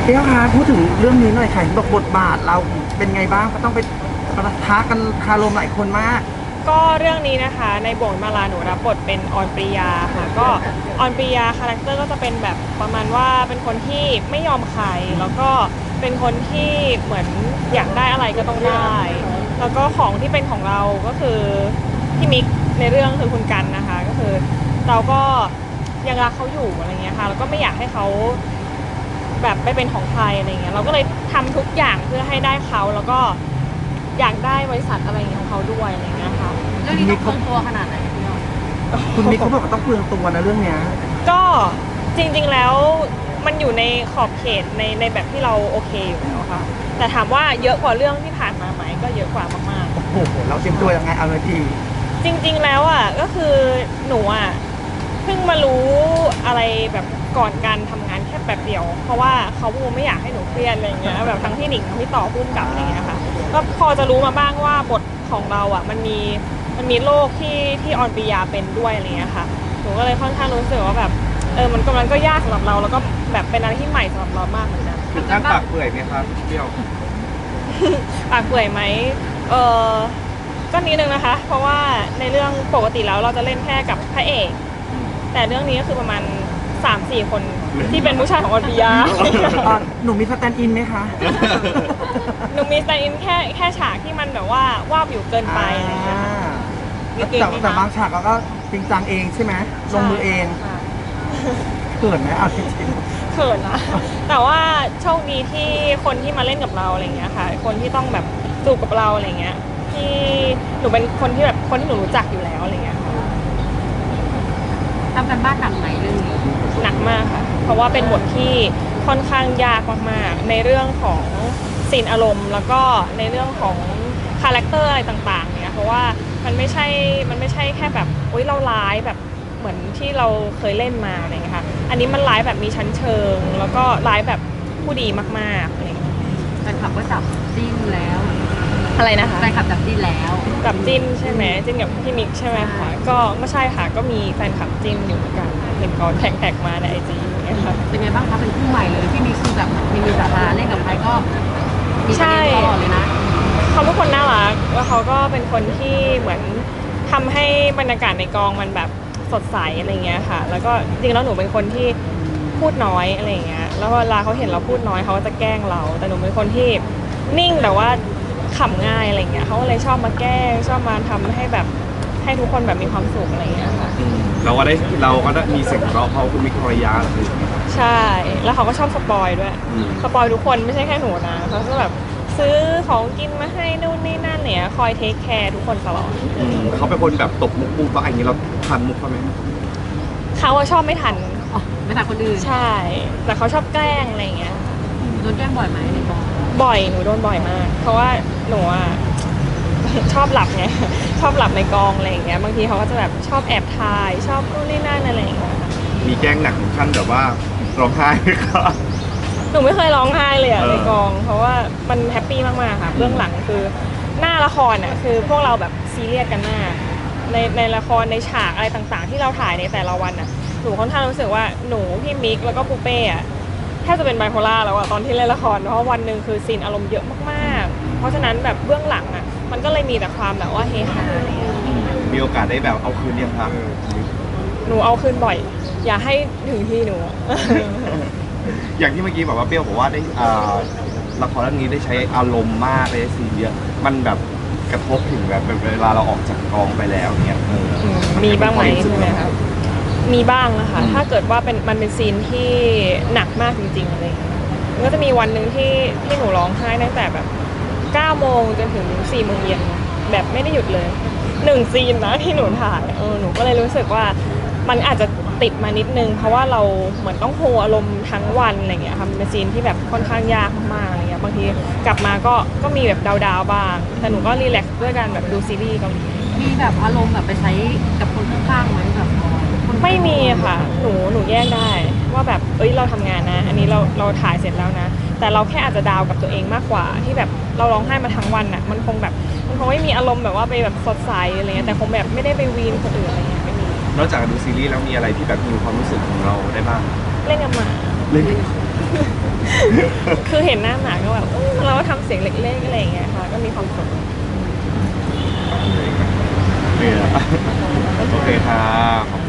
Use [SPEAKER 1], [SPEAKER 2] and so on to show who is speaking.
[SPEAKER 1] เปี้ยวคะพูดถึงเรื่องนี้หน่อยค่ะบอกบทบาทเราเป็นไงบ้างก็ต้องไปปะทะกันคารมหลายคนมาก
[SPEAKER 2] ก็เรื่องนี้นะคะในบ่วงมาลาหนูรับบทเป็นออนปริยาค่ะก็ออนปริยาคาแรคเตอร์ก็จะเป็นแบบประมาณว่าเป็นคนที่ไม่ยอมใครแล้วก็เป็นคนที่เหมือนอยากได้อะไรก็ต้องได้แล้วก็ของที่เป็นของเราก็คือพี่มิกในเรื่องคือคุณกันนะคะก็คือเราก็ยังรักเขาอยู่อะไรเงี้ยค่ะแล้วก็ไม่อยากให้เขาแบบไปเป็นของใครอะไรเงี้ยเราก็เลยทำทุกอย่างเพื่อให้ได้เขาแล้วก็อยากได้บริษัทอะไรอย่างเงี้ยของเขาด้วยอะไรเงี้ยค่ะ
[SPEAKER 3] เรื่องนี้ต้องเปลืองตัวขนาดไหนพี่น้อง
[SPEAKER 1] คุณมิกเขาบอกว่าต้องเปลืองตัวนะเรื่องเนี้ย
[SPEAKER 2] ก็จริงๆแล้วมันอยู่ในขอบเขตในแบบที่เราโอเคอยู่แล้วค่ะแต่ถามว่าเยอะกว่าเรื่องที่ผ่านมาไหมก็เยอะกว่ามาก
[SPEAKER 1] โอ้โหเราเตรียมตัวยังไงเอาเลยที
[SPEAKER 2] ๆจริงๆแล้วอ่ะก็คือหนูอ่ะเพิ่งมารู้อะไรแบบก่อนการทำงานแค่แบบเดียวเพราะว่าเขาไม่อยากให้หนูเครียดอะไรเงี้ยแบบทั้งที่หนิงทั้งที่ต่อพุ่มกับอะไรเงี้ยค่ะก็พอจะรู้มาบ้างว่าบทของเราอ่ะมันมีโรคที่ออนปริยาเป็นด้วยอะไรเงี้ยค่ะหนูก็เลยค่อนข้างรู้สึกว่าแบบมันกำลังก็ยากสำหรับเราแล้วก็แบบเป็นอะไรที่ใหม่สำหรับเรามากเหมือนกัน
[SPEAKER 4] ถึงขั้นปากเปื่อยไหมครับเปรี้ยว
[SPEAKER 2] ปากเปื่อยไหมก็นิดนึงนะคะเพราะว่าในเรื่องปกติแล้วเราจะเล่นแค่กับพระเอกแต่เรื่องนี้ก็คือประมาณ 3-4 คนที่เป็นผู้ชายของออนปริยา
[SPEAKER 1] หนูมีสแตนด์อินไหมคะ
[SPEAKER 2] หนูมีสแตนด์อินแค่ฉากที่มันแบบว่าวาบอยู่เกินไปอะไรอย่างเงี้ยค่ะ
[SPEAKER 1] แต่บางฉากเราก็จริงจังเองใช่ไหมลงมือเองเขินไหมเอาจริง
[SPEAKER 2] เขินนะแต่ว่าโชคดีที่คนที่มาเล่นกับเราอะไรเงี้ยค่ะคนที่ต้องแบบจูบกับเราอะไรเงี้ยที่หนูเป็นคนที่แบบคนที่หนูรู้จักอยู่แล้วอะไรเงี้ยค่ะ
[SPEAKER 3] ทำกันบ้านหนักไหมเรื่องนี้
[SPEAKER 2] หนักมากค่ะเพราะว่าเป็นบทที่ค่อนข้างยากมากๆในเรื่องของซีนอารมณ์แล้วก็ในเรื่องของคาแรคเตอร์อะไรต่างๆเนี่ยเพราะว่ามันไม่ใช่แค่แบบโอ๊ยเราร้ายแบบเหมือนที่เราเคยเล่นมาอะไรเงี้ยค่ะอันนี้มันร้ายแบบมีชั้นเชิงแล้วก็ร้ายแบบผู้ดีมากๆอะไรเงี้ย
[SPEAKER 3] แฟนคลับก็จับจิ้นแล้ว
[SPEAKER 2] อะไรนะคะ
[SPEAKER 3] แฟนคลับจับจิ้นแล้ว
[SPEAKER 2] กับจิ้นใช่ไหมจิ้นกับพี่มิกใช่ไหมคะก็ไม่ใช่ค่ะก็มีแฟนคลับจิ้นอยู่เหมือนกันเห็นเขาแท็กมาในIGอย่างเงี้ยค่ะ
[SPEAKER 3] เป็นไงบ้างคะเป็นคู่ใหม่เลยพี่มิกคือแบบมีสาระเล่นกับใครก็มีประเด็นตลอดเลยนะ
[SPEAKER 2] เขาเป็นคนน่ารักแล้วเขาก็เป็นคนที่เหมือนทำให้บรรยากาศในกองมันแบบสดใสอะไรเงี้ยค่ะแล้วก็จริงแล้วหนูเป็นคนที่พูดน้อยอะไรเงี้ยแล้วเวลาเขาเห็นเราพูดน้อยเขาก็จะแกล้งเราแต่หนูเป็นคนที่นิ่งแต่ว่าขำง่ายอะไรเงี้ยเขาก็เลยชอบมาแกล้งชอบมาทำให้แบบให้ทุกคนแบบมีความสุขอะไรเงี้ยค่ะ
[SPEAKER 4] เราก็ได้มีเสียงเราะเพราะคุณมิกภรรยาเลย
[SPEAKER 2] ใช่แล้วเขาก็ชอบสปอยด้วยสปอยทุกคนไม่ใช่แค่หนูนะเขาก็แบบซื้อของกินมาให้นู่นนี่นั่นเนี่ยคอยเทคแคร์ทุกคนตลอด
[SPEAKER 4] เขาเป็นคนแบบตบมุกปูปะอย่างนี้เราทันมุกเขาไหม
[SPEAKER 2] เขาชอบไม่ทัน
[SPEAKER 3] ไม่ทันคนอื่น
[SPEAKER 2] ใช่แต่เขาชอบแกล้งอะไรเงี้ย
[SPEAKER 3] โดนแกล้งบ่อยไหมในกอง
[SPEAKER 2] บ่อยหนูโดนบ่อยมากเพราะว่าหนูอ่ะชอบหลับไงชอบหลับในกองอะไรอย่างเงี้ยบางทีเขาก็จะแบบชอบแอบถ่ายชอบนู่นนี่นั่นอะไรอย่างเงี้ย
[SPEAKER 4] มีแกล้งหนักถึงขั้นแบบว่าร้องไห้ไหมครับ
[SPEAKER 2] หนูไม่เคยร้องไห้เลยอะในกองเพราะว่ามันแฮปปี้มากๆค่ะเบื้องหลังคือหน้าละครอ่ะคือพวกเราแบบซีเรียสกันมากในละครในฉากอะไรต่างๆที่เราถ่ายในแต่ละวันอ่ะหนูค่อนข้างรู้สึกว่าหนูพี่มิกแล้วก็ปูเป้อะแทบจะเป็นไบโพล่าแล้วอะตอนที่เล่นละครเพราะวันหนึ่งคือซีนอารมณ์เยอะมากๆเพราะฉะนั้นแบบเบื้องหลังอ่ะมันก็เลยมีแต่ความแบบว่าเฮฮาอะไรอย่างเงี้ย
[SPEAKER 4] มีโอกาสได้แบบเอาคืนยังครับ
[SPEAKER 2] หนูเอาคืนบ่อยอย่าให้ถึงที่หนู
[SPEAKER 4] อย่างที่เมื่อกี้บอกว่าเปรี้ยวบอกว่าได้ละครเรื่องนี้ได้ใช้อารมณ์มากได้ซีนเยอะมันแบบกระทบถึงแบบเวลาเราออกจากกองไปแล้วเนี่ย
[SPEAKER 2] มีบ้างไหมใช่ไหมครับมีบ้างนะคะถ้าเกิดว่ามันเป็นซีนที่หนักมากจริงๆอะไรอย่างเงี้ยมันก็จะมีวันหนึ่งที่หนูร้องไห้ตั้งแต่แบบ9 โมงจนถึง4 โมงเย็นแบบไม่ได้หยุดเลย1 ซีนนะที่หนูถ่ายหนูก็เลยรู้สึกว่ามันอาจจะติดมานิดนึงเพราะว่าเราเหมือนต้องโฮอารมณ์ทั้งวันอะไรเงี้ยค่ะมันเป็นซีนที่แบบค่อนข้างยากมากๆอะไรเงี้ยบางทีกลับมาก็มีแบบดาวๆบ้างแต่หนูก็รีแลกซ์ด้วยการแบบดูซีรีส์เกาหลี
[SPEAKER 3] มีแบบอารมณ์แบบไปใช้กับคนข้างๆไหมแบบ
[SPEAKER 2] ไม่มีค่ะหนูแยกได้ว่าแบบเราทำงานนะอันนี้เราถ่ายเสร็จแล้วนะแต่เราแค่อาจจะดาวกับตัวเองมากกว่าที่แบบเราร้องไห้มาทั้งวันอ่ะมันคงไม่มีอารมณ์แบบว่าไปแบบสดใสอะไรเงี้ยแต่คงแบบไม่ได้ไปวีนคนอื่นอะไรเงี้ยไม่มี
[SPEAKER 4] นอกจากดูซีรีส์แล้วมีอะไรที่แบบมีความรู้สึกของเราได้บ้าง
[SPEAKER 2] เล่นกับหมา
[SPEAKER 4] เล่น
[SPEAKER 2] คือเห็นหน้าหมาก็แบบเราก็ทำเสียงเล็กๆอะไรอย่างเงี้ยค่ะ ก็มีความสุข
[SPEAKER 4] เนี่ยโอเคค่ะขอบคุณ